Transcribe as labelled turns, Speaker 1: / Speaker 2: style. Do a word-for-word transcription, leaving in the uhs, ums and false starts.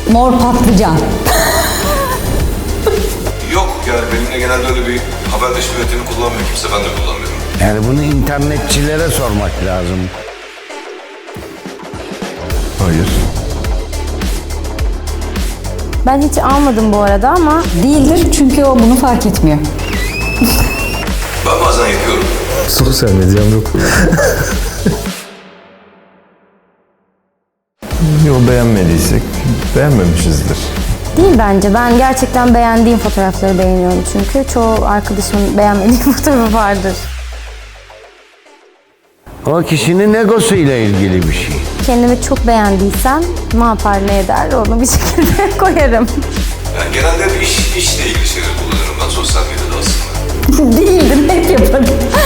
Speaker 1: Mor patlıcan.
Speaker 2: Yok yani benimle genelde öyle bir haberleşme yöntemi kullanmıyor kimse, ben de kullanmıyorum.
Speaker 3: Yani bunu internetçilere sormak lazım.
Speaker 4: Hayır.
Speaker 5: Ben hiç almadım bu arada ama
Speaker 1: Değildir çünkü o bunu fark etmiyor.
Speaker 2: Ben bazen yapıyorum.
Speaker 4: Sosyal medyam yok. Yo, beğenmediysek beğenmemişizdir.
Speaker 5: değil bence. Ben gerçekten beğendiğim fotoğrafları beğeniyorum çünkü. Çoğu arkadaşımın beğenmediği fotoğrafı vardır.
Speaker 3: O kişinin egosu ile ilgili bir şey.
Speaker 5: Kendimi çok beğendiysem ne yapar ne eder onu bir şekilde koyarım.
Speaker 2: Yani genelde bir iş, işle ilgili şeyler kullanıyorum ben sosyal medyada aslında.
Speaker 1: Değildir, hep yaparım.